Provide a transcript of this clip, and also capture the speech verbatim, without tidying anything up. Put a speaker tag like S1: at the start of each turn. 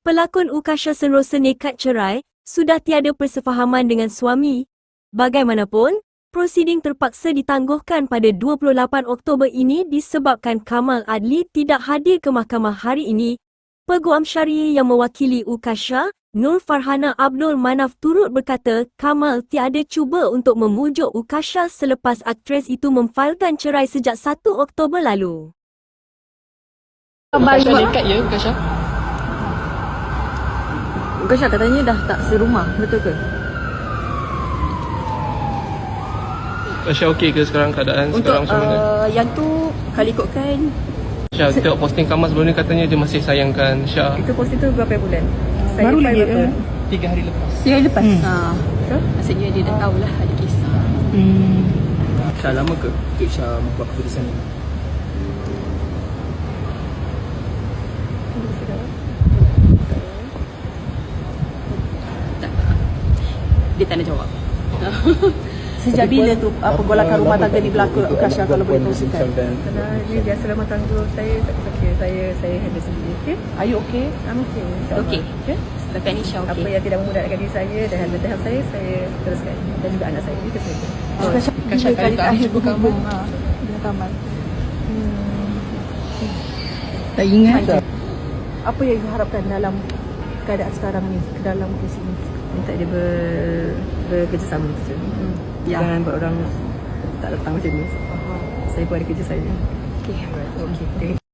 S1: Pelakon Ukasha Senrosa nekat cerai, sudah tiada persefahaman dengan suami. Bagaimanapun, prosiding terpaksa ditangguhkan pada dua puluh lapan Oktober ini disebabkan Kamal Adli tidak hadir ke mahkamah hari ini. Peguam Syariah yang mewakili Ukasha, Nur Farhana Abdul Manaf turut berkata Kamal tiada cuba untuk memujuk Ukasha selepas aktris itu memfailkan cerai sejak satu Oktober lalu.
S2: Ukasha dekat ya, Ukasha?
S3: Ukasha katanya dah tak serumah, betul ke?
S2: Ukasha okey ke sekarang keadaan
S3: Untuk
S2: sekarang macam mana?
S3: uh, yang tu kalau ikutkan
S2: Syah, tengok posting Kamal sebelum ni katanya dia masih sayangkan Syah.
S3: itu posting tu berapa bulan? Saya
S4: Baru lagi
S3: berapa?
S4: eh?
S2: Tiga hari lepas.
S4: Tiga hari lepas.
S3: Hmm.
S4: Ha.
S3: So, maksudnya dia dah tahulah ada kisah.
S4: Hmm.
S5: Syah lama ke Syah buat keputusan ni?
S3: Dia tak nak jawab. Sejak bila tu apa golakan rumah tangga ni berlaku Ukasha kalau boleh kongsikan?
S6: Kerana ini biasa rumah tangga saya, tak okay, saya saya handle sendiri. Okay?
S3: Are you okay?
S6: I'm okay.
S3: Okey.
S6: Okay?
S3: Setakat ni Syah
S6: Apa
S3: okey.
S6: yang tidak memudaratkan diri saya dan handle tahap saya, saya teruskan. Dan juga anak saya. Itu saja.
S3: Ukasha
S4: Ukasha kali terakhir berhubung ha, dengan Kamal. Tak ingat.
S3: Apa yang diharapkan dalam keadaan sekarang ni, dalam kes ini?
S6: Minta dia ber, bekerjasama saja. Hmm.
S3: Ya.
S6: Jangan buat orang tak datang macam ni. Saya pun ada kerja saya.
S3: Okey.
S6: Okay.